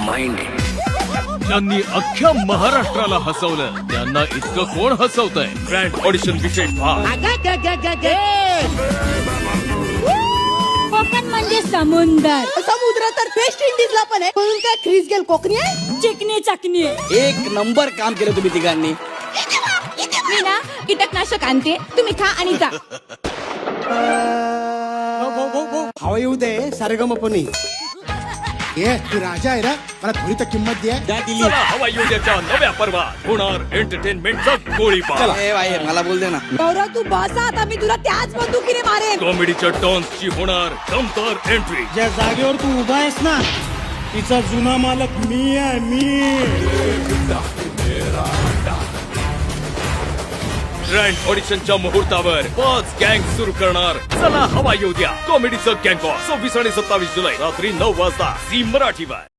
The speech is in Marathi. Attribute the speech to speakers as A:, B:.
A: माइंड आहे.
B: त्यांनी अख्ख्या महाराष्ट्राला हसवलं. त्यांना इतकं कोण हसवतंय? ग्रँड ऑडिशन विशेष भाग.
C: कोकण म्हणजे समुंदर.
D: समुद्र तर वेस्ट इंडिजला पण आहे, म्हणून काय ख्रिस गेल कोकणी आहे.
C: चिकनी चकनी.
E: एक नंबर काम केलं तुम्ही तिघांनी.
C: मी ना कीटकनाशक आणते, तुम्ही खा आणि जा.
F: हवा येऊ दे सारेगमपणी.
G: ए तू राजा आहे ना, मला थोडी तर किंमत दे.
E: त्या दिली.
B: चला हवा येऊ द्याच्या नव्या पर्वात होणार एंटरटेनमेंटचा गोळीबार.
E: ए बाहेर मला बोल दे ना.
D: गौरव तू बस आता, मी तुला त्याच बंदुकीने मारेन.
B: कॉमेडीच्या टॉन्सची होणार दमदार एंट्री.
F: ज्या जागेवर तू उभा आहेस ना, तिचा जुना मालक मी आहे, मी.
B: ग्रँड ऑडिशनच्या मुहूर्तावर 5 गँग सुरू करणार. चला हवा येऊ द्या कॉमेडीचं गँग 26 आणि 27 जुलै रात्री 9 वाजता झी मराठीवर.